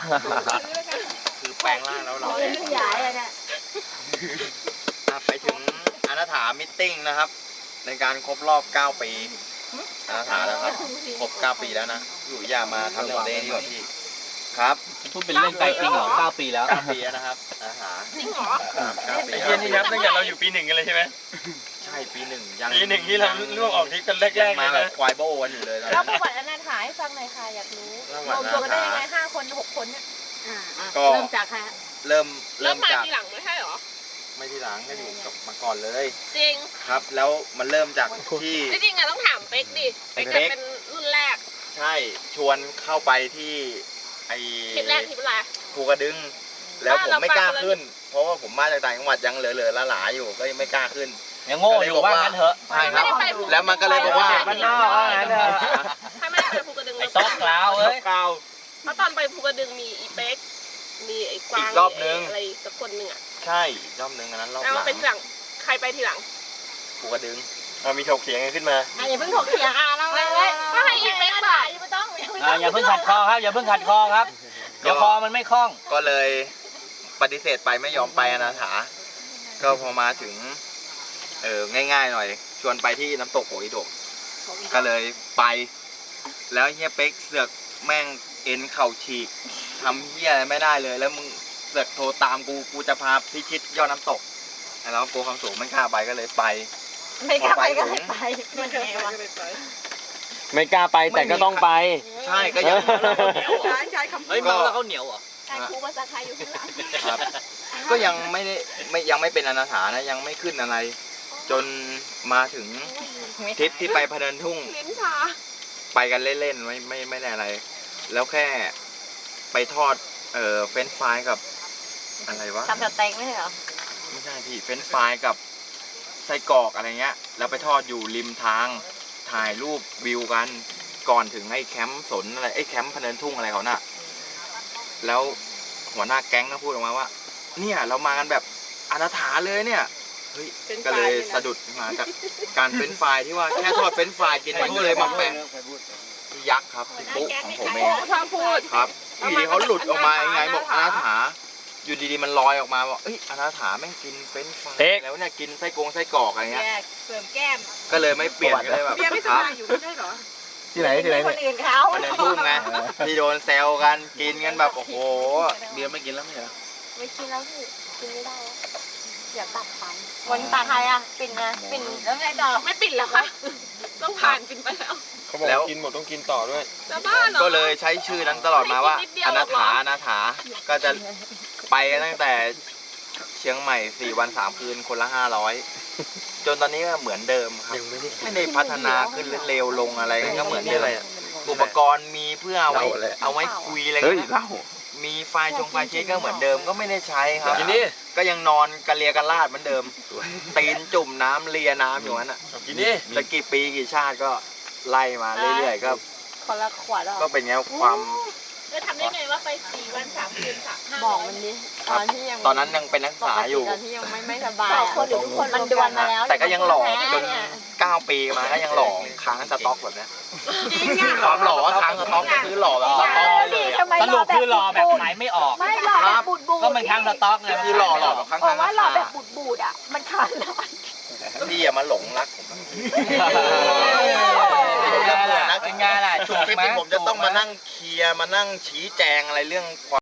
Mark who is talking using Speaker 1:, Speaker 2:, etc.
Speaker 1: คือแปลงร่างแล้วเรา
Speaker 2: ขยายอะเนี่ย
Speaker 1: ไปถึงอนาถามิทติ้งนะครับ ในการครบรอบ9 ปีอนาถาแล้วครับครบ9 ปีแล้วนะอยู่อย่ามาทำเรื่องเล่นดีกว่าพี่ครับ
Speaker 3: พูดเป็นเล่นไปจริงเหรอ9 ปีแล้ว
Speaker 1: 9 ปีแล้วนะครับอนาถา
Speaker 4: จริงเหรอ
Speaker 1: 9 ปี
Speaker 5: ไอ้เทียนี่นับตั้งแต่เราอยู่ปี 1กันเลยใช่ไหม
Speaker 1: ใช่ปี 1ยัง
Speaker 5: ปี 1ที่เราล่วงออกทริปกันแร
Speaker 1: ยัง
Speaker 5: กๆเล
Speaker 1: มาย แบบ
Speaker 5: นะ
Speaker 1: ควายโบกันอยู่เลยตอน
Speaker 2: เรา
Speaker 1: นั้น
Speaker 2: ประวัติอนาถาให้ฟังหน่อยค่ะอยากรู้
Speaker 1: ประ
Speaker 2: ร
Speaker 1: วั
Speaker 2: ว
Speaker 1: ติ
Speaker 2: มตัวกันได้ยังไง
Speaker 1: อนาถา
Speaker 2: 5 คน 6 คนเนี่ย
Speaker 1: ก็
Speaker 2: เริ่มจากใครฮะ
Speaker 1: เริ่
Speaker 4: เริ่
Speaker 1: ม
Speaker 4: มมา
Speaker 1: จาก
Speaker 4: ทีหลังไม่ใช่เหรอ
Speaker 1: ไม่ทีหลังก็อยู่กับมาก่อนเลย
Speaker 4: จริง
Speaker 1: ครับ แล้วมันเริ่มจากที่
Speaker 4: จริงๆอะต้องถามเป๊กดิ เป๊กจะเป็นรุ่นแรก
Speaker 1: ใช่ชวนเข้าไปที่ไอ
Speaker 4: ทริปแรกทริปอะไร
Speaker 1: ภูกระดึง แล้วผมไม่กล้า
Speaker 4: เราไป
Speaker 1: ขึ้น เพราะว่าผมมาจากต่างจังหวัดยังเหลือๆหลาๆอยู่ก็ยังไม่กล้าขึ้น
Speaker 3: ยังโง่อยู่ว่างั้นเถอะ
Speaker 1: ใช่ครับแล้วมันก็เลยบอกว่า
Speaker 3: มันนอกว่างั้นเถอะ
Speaker 4: ถ้าไม่ได้ไปภูกระดึง
Speaker 3: ไอ้ซอกกล่าวเอ้ย
Speaker 1: ก้าว
Speaker 4: เพราะตอนไปภูกระดึงมีอีเป๊ก มีไอ้กวาง
Speaker 1: อีกรอบนึง
Speaker 4: มีอะไรสักคนหนึ่งอะ
Speaker 1: ใช่อีกรอบนึงอันนั้นรอบห
Speaker 4: แล้ว
Speaker 1: ลัง
Speaker 4: เป็นทีหลัง ใครไปทีหลัง
Speaker 1: ภูกระดึง
Speaker 5: มีถกเถียงกันขึ้นมา
Speaker 2: อย่าเพิ่งถกเถียงเราเลย
Speaker 4: ก็ให้อีเป๊กบอก
Speaker 2: ไม่ต้อง
Speaker 3: อย่าเพิ่งขัดคอครับ อย่าเพิ่งขัดคอครับ เดี๋ยวคอมันไม่คล่อง
Speaker 1: ก็เลยปฏิเสธไปไม่ยอมไปอนาถา ก็พอมาถึงง่ายๆหน่อย ชวนไปที่น้ำตกโหยดกก็เลยไป แล้วเฮียเป๊กเสือกแม่งเอ็นเข่าฉีกทำเฮียอะไรไม่ได้เลย แล้วมึงเสือกโทรตามกูจะพาพิชิตยอดน้ำตกแล้วกลัวความสูงไม่กล้าไปก็เลยไป
Speaker 2: ไม่กล้าไปก็ไม่ไปมันไงวะ
Speaker 5: ไม่กล้าไปแต่ก็ต้องไป
Speaker 1: ใช่ก็ยัง
Speaker 2: ใช้คำพู
Speaker 3: เฮ้ย
Speaker 2: ด
Speaker 3: เมาแล้วเขาเหนียวเหรอ
Speaker 2: การครูภาษาไทยอยู่ข้างหลัง
Speaker 1: ครับ ก็ยังไม่ได้ยังไม่เป็นอนาถานะยังไม่ขึ้นอะไร จนมาถึงทริปที่ไปพะเนินทุ่ง
Speaker 4: ลิ้นชา
Speaker 1: ไปกันเล่นๆไม่ได้อะไร แล้วแค่ไปทอดเฟรนช์ฟรายกับอะไรวะ
Speaker 2: ทำแบบแตงไม่ใช่เหรอ
Speaker 1: ไม่ใช่พี่เฟรนช์ฟรายกับไส้กรอกอะไรเงี้ยแล้วไปทอดอยู่ริมทางถ่ายรูปวิวกันก่อนถึงไอ้แคมป์สนอะไรไอ้แคมป์พะเนินทุ่งอะไรเขาน่ะแล้วหัวหน้าแก๊งก็พูดออกมาว่า เนี่ยเรามากันแบบอนาถาเลยเนี่ยเฮ้ยก็เลยสะดุดมาจากการเฟรนช์ฟรายที่ว่าแค่ทอดเฟรนช์ฟรายกินมันก็เลยมาแปะพี่ยักษ์ครับพี่ปุ๊ของผมเอง
Speaker 4: ทางพูด
Speaker 1: ครับอยู่ดีเขาหลุดออกมายังไงบอกอนาถาอยู่ดีๆมันลอยออกมาบอกเอ้ยอนาถาแม่งกินเฟรนช์ฟราย
Speaker 5: เอ๊ะ
Speaker 1: แล้วเนี่ยกินไส้กรอกอะไรเงี้ย
Speaker 2: เสริมแก้ม
Speaker 1: ก็เลยไม่เปลี่ยนก็เลยแบบ
Speaker 2: เบียร์ไม่ส
Speaker 1: ครับ
Speaker 2: บายอยู่ไม่ใช่เหรอ
Speaker 5: ที่ไหนที่ไหน
Speaker 2: คนอื่นเขา
Speaker 1: พะเนินทุ่งไงที่โดนแซวกันกินกันแบบโอ้โหเบียร์ไม่กินแล้วไม่เหรอ
Speaker 2: ไม่กินแล้วพี่กินไม่ได้แล้วอยากตัดฟันวันตัดใครอ่ะปิ่นไงปิ่นแล้วไงต่อ
Speaker 4: ไม่ปิดแล้วค่ะ ต้องผ่านปินไปแล้ว
Speaker 5: เขาบอกกินหมดต้องกินต่อด้วย
Speaker 4: จะบ้าเหรอ
Speaker 1: ก็เลยใช้ชื่อนั้นตลอดมาว่า
Speaker 4: ไม่กินนิดเดียว
Speaker 1: อ
Speaker 4: หร
Speaker 1: นา
Speaker 4: อกเหรอ
Speaker 1: ถาอนาถาก็จะไปกันตั้งแต่เชียงใหม่4 วัน 3 คืนคนละ500จนตอนนี้ก็เหมือนเดิมครับไม่ได้พัฒนาขึ้นหรือเลวลงอะไรก็เหมือนเดิมอุปกรณ์มีเพื่อเอาไว้คุยอะไรเงี้ยมีไฟล์เช็คก็เหมือนเดิมก็ไม่ได้ใช้ครับ
Speaker 5: กินดิ
Speaker 1: ก็ยังนอนกระเลียกระลาดเหมือนเดิม ตีนจุ่มน้ำเลียน้ำอยู่นั้นอ่ะ
Speaker 5: กินดิ
Speaker 1: จะกี่ปีกี่ชาติก็ไล่มาเรื่อยๆก็
Speaker 2: คนละขวดหรอ
Speaker 1: ก็เป็นไงความ
Speaker 4: จะทำได้ไงว่าไป4 วัน 3 คืน3
Speaker 2: บอกมันดิตอนที่ยัง
Speaker 1: ตอนนั้นยังเป็นนักศึกษาอยู่
Speaker 2: ตอนที่ยังไม่สบายคนหรือทุกคนมันดวนมาแล้ว
Speaker 1: แต่ก็ยังหล่อจน9 ปีมาก็ยังหล่อค้างสต็อกแบบเนี้ย
Speaker 4: จริงอ่ะ
Speaker 1: ความหล่อว่าค้างสต็อกก็คือหล่อแบบสต็อกเลยอะ
Speaker 3: สรุปคือรอแบบขายไม่ออก
Speaker 2: ไม่หล่อแบบบูดบูด
Speaker 3: ก็มันค้างสต็อกไง
Speaker 1: คือหล่อแบบค้าง
Speaker 2: บอกว่าหล่อ
Speaker 1: รา
Speaker 2: แบบ
Speaker 1: คา
Speaker 2: บูดบูดอ่ะมันขาดแล้ว
Speaker 1: พี่อย่ามาหลงรักผมนะ
Speaker 3: เป็นไงล่ะ
Speaker 1: ช่วงคลิปที่ผมจะต้องมานั่งเคลียร์มานั่งชี้แจงอะไรเรื่องความ